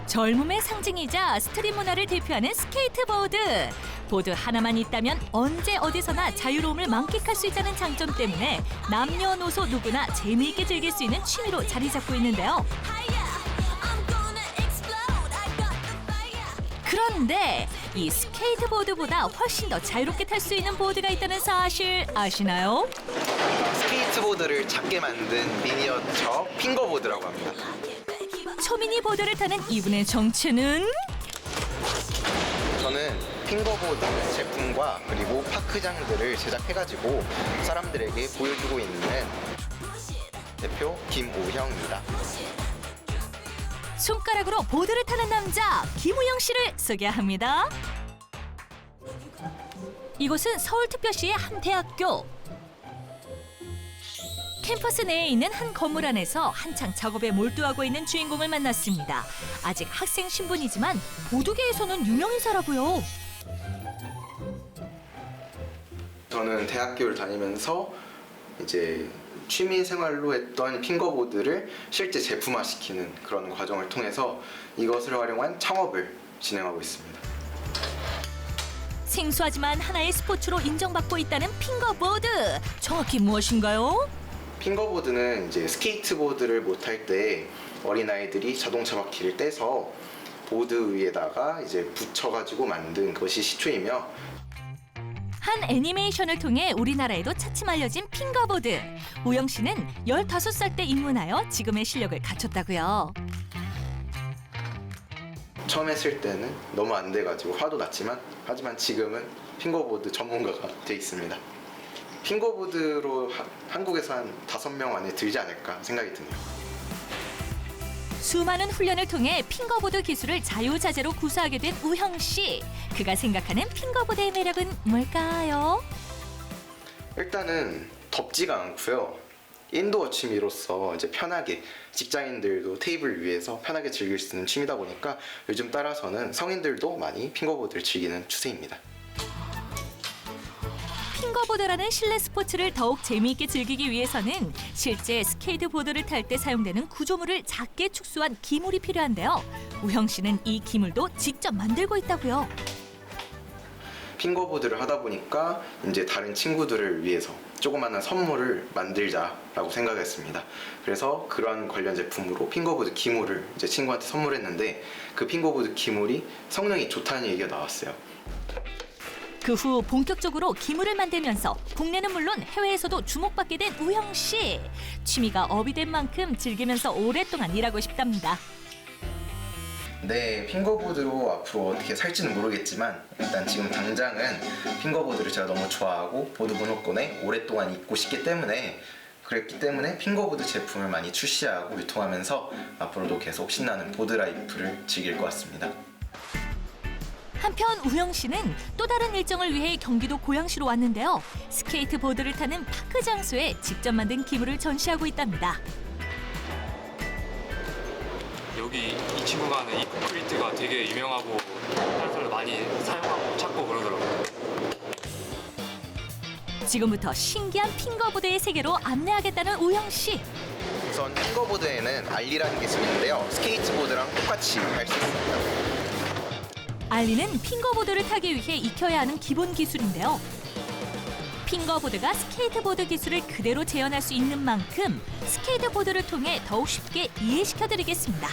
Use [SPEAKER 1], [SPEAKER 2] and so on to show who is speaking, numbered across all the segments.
[SPEAKER 1] 젊음의 상징이자 스트릿 문화를 대표하는 스케이트보드. 보드 하나만 있다면 언제 어디서나 자유로움을 만끽할 수 있다는 장점 때문에 남녀노소 누구나 재미있게 즐길 수 있는 취미로 자리 잡고 있는데요. 그런데 이 스케이트보드보다 훨씬 더 자유롭게 탈 수 있는 보드가 있다는 사실 아시나요?
[SPEAKER 2] 스케이트보드를 작게 만든 미니어처 핑거보드라고 합니다.
[SPEAKER 1] 초미니 보드를 타는 이분의 정체는?
[SPEAKER 2] 저는 핑거보드 제품과 그리고 파크장들을 제작해가지고 사람들에게 보여주고 있는 대표 김우형입니다.
[SPEAKER 1] 손가락으로 보드를 타는 남자 김우영 씨를 소개합니다. 이곳은 서울특별시의 한 대학교. 캠퍼스 내에 있는 한 건물 안에서 한창 작업에 몰두하고 있는 주인공을 만났습니다. 아직 학생 신분이지만 보드계에서는 유명인사라고요.
[SPEAKER 2] 저는 대학교를 다니면서 이제 취미 생활로 했던 핑거보드를 실제 제품화시키는 그런 과정을 통해서 이것을 활용한 창업을 진행하고 있습니다.
[SPEAKER 1] 생소하지만 하나의 스포츠로 인정받고 있다는 핑거보드. 정확히 무엇인가요?
[SPEAKER 2] 핑거보드는 이제 스케이트보드를 못할 때 어린아이들이 자동차 바퀴를 떼서 보드 위에다가 이제 붙여가지고 만든 것이 시초이며,
[SPEAKER 1] 한 애니메이션을 통해 우리나라에도 차츰 알려진 핑거보드. 우영 씨는 15살 때 입문하여 지금의 실력을 갖췄다고요.
[SPEAKER 2] 처음 했을 때는 너무 안 돼가지고 화도 났지만, 하지만 지금은 핑거보드 전문가가 돼 있습니다. 핑거보드로 한국에서 한 5명 안에 들지 않을까 생각이 드네요.
[SPEAKER 1] 수많은 훈련을 통해 핑거보드 기술을 자유자재로 구사하게 된 우형 씨. 그가 생각하는 핑거보드의 매력은 뭘까요?
[SPEAKER 2] 일단은 덥지가 않고요. 인도어 취미로서 이제 편하게 직장인들도 테이블 위에서 편하게 즐길 수 있는 취미다 보니까 요즘 따라서는 성인들도 많이 핑거보드를 즐기는 추세입니다.
[SPEAKER 1] 핑거보드라는 실내 스포츠를 더욱 재미있게 즐기기 위해서는 실제 스케이트보드를 탈 때 사용되는 구조물을 작게 축소한 기물이 필요한데요. 우형 씨는 이 기물도 직접 만들고 있다고요.
[SPEAKER 2] 핑거보드를 하다 보니까 이제 다른 친구들을 위해서 조그마한 선물을 만들자라고 생각했습니다. 그래서 그런 관련 제품으로 핑거보드 기물을 이제 친구한테 선물했는데, 그 핑거보드 기물이 성능이 좋다는 얘기가 나왔어요.
[SPEAKER 1] 그 후 본격적으로 기물을 만들면서 국내는 물론 해외에서도 주목받게 된 우형 씨. 취미가 업이 된 만큼 즐기면서 오랫동안 일하고 싶답니다.
[SPEAKER 2] 네, 핑거보드로 앞으로 어떻게 살지는 모르겠지만 일단 지금 당장은 핑거보드를 제가 너무 좋아하고 보드 문화권에 오랫동안 있고 싶기 때문에, 그랬기 때문에 핑거보드 제품을 많이 출시하고 유통하면서 앞으로도 계속 신나는 보드 라이프를 즐길 것 같습니다.
[SPEAKER 1] 한편 우영 씨는 또 다른 일정을 위해 경기도 고양시로 왔는데요. 스케이트보드를 타는 파크 장소에 직접 만든 기물을 전시하고 있답니다.
[SPEAKER 3] 여기 이 친구가 하는 이 콘크리트가 되게 유명하고 다른 사람들 많이 사용하고 찾고 그러더라고요.
[SPEAKER 1] 지금부터 신기한 핑거보드의 세계로 안내하겠다는 우영 씨.
[SPEAKER 2] 우선 핑거보드에는 알리라는 기술이 있는데요. 스케이트보드랑 똑같이 할 수 있습니다.
[SPEAKER 1] 알리는 핑거보드를 타기 위해 익혀야 하는 기본 기술인데요. 핑거보드가 스케이트보드 기술을 그대로 재현할 수 있는 만큼 스케이트보드를 통해 더욱 쉽게 이해시켜드리겠습니다.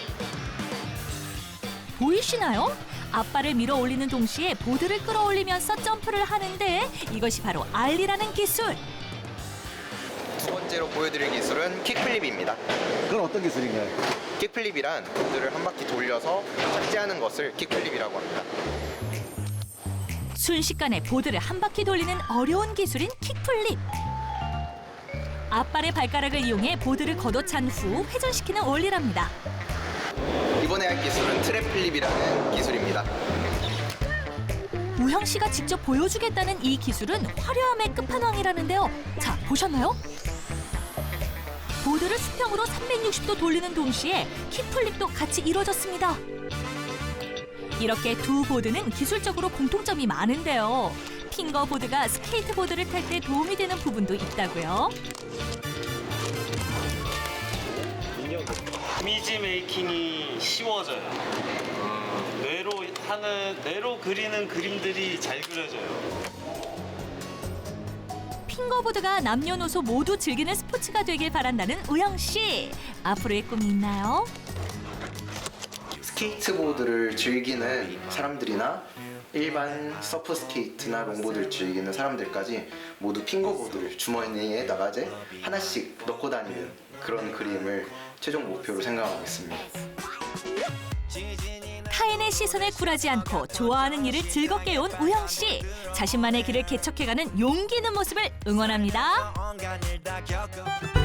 [SPEAKER 1] 보이시나요? 앞발을 밀어 올리는 동시에 보드를 끌어올리면서 점프를 하는데 이것이 바로 알리라는 기술.
[SPEAKER 2] 두 번째로 보여드릴 기술은 킥플립입니다.
[SPEAKER 4] 그건 어떤 기술인가요?
[SPEAKER 2] 킥플립이란 보드를 한 바퀴 돌려서 착지하는 것을 킥플립이라고 합니다.
[SPEAKER 1] 순식간에 보드를 한 바퀴 돌리는 어려운 기술인 킥플립. 앞발의 발가락을 이용해 보드를 걷어찬 후 회전시키는 원리랍니다.
[SPEAKER 2] 이번에 할 기술은 트랩플립이라는 기술입니다.
[SPEAKER 1] 우형 씨가 직접 보여주겠다는 이 기술은 화려함의 끝판왕이라는데요. 자, 보셨나요? 보드를 수평으로 360도 돌리는 동시에 킥플립도 같이 이루어졌습니다. 이렇게 두 보드는 기술적으로 공통점이 많은데요. 핑거보드가 스케이트보드를 탈 때 도움이 되는 부분도 있다고요.
[SPEAKER 5] 이미지 메이킹이 쉬워져요. 뇌로 그리는 그림들이 잘 그려져요.
[SPEAKER 1] 핑거보드가 남녀노소 모두 즐기는 스포츠가 되길 바란다는 우영 씨. 앞으로의 꿈이 있나요?
[SPEAKER 2] 스케이트보드를 즐기는 사람들이나 일반 서프 스케이트나 롱보드를 즐기는 사람들까지 모두 핑거보드를 주머니에다가 이제 하나씩 넣고 다니는 그런 그림을 최종 목표로 생각하고 있습니다.
[SPEAKER 1] 타인의 시선에 굴하지 않고 좋아하는 일을 즐겁게 해온 우영 씨. 자신만의 길을 개척해가는 용기 있는 모습을 응원합니다.